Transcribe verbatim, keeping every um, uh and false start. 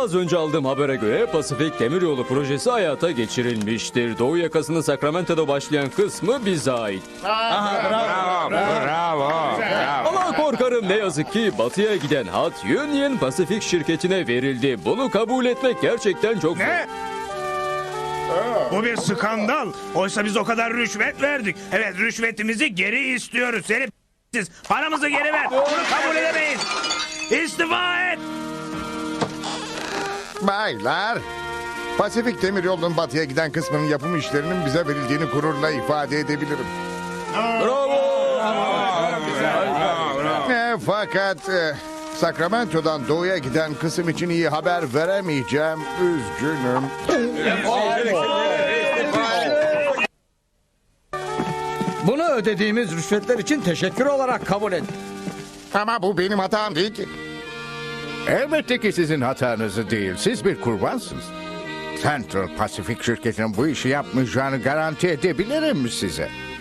Az önce aldığım habere göre Pasifik Demiryolu projesi hayata geçirilmiştir. Doğu yakasının Sacramento'da başlayan kısmı bize ait. Bravo, bravo. Ama korkarım ne yazık ki batıya giden hat Union Pacific şirketine verildi. Bunu kabul etmek gerçekten çok zor. Ne? Bu bir skandal. Oysa biz o kadar rüşvet verdik. Evet, rüşvetimizi geri istiyoruz. Seni siz paramızı geri ver. Bunu kabul edemeyiz. İstifa et. Baylar, Pasifik Demiryolu'nun batıya giden kısmının yapım işlerinin bize verildiğini gururla ifade edebilirim. Bravo! E, fakat e, Sacramento'dan doğuya giden kısım için iyi haber veremeyeceğim. Üzgünüm. Bunu ödediğimiz rüşvetler için teşekkür olarak kabul et. Ama bu benim hatam değil ki. Elbette ki sizin hatanızı değil. Siz bir kurbansınız. Central Pacific şirketinin bu işi yapmayacağını garanti edebilirim size.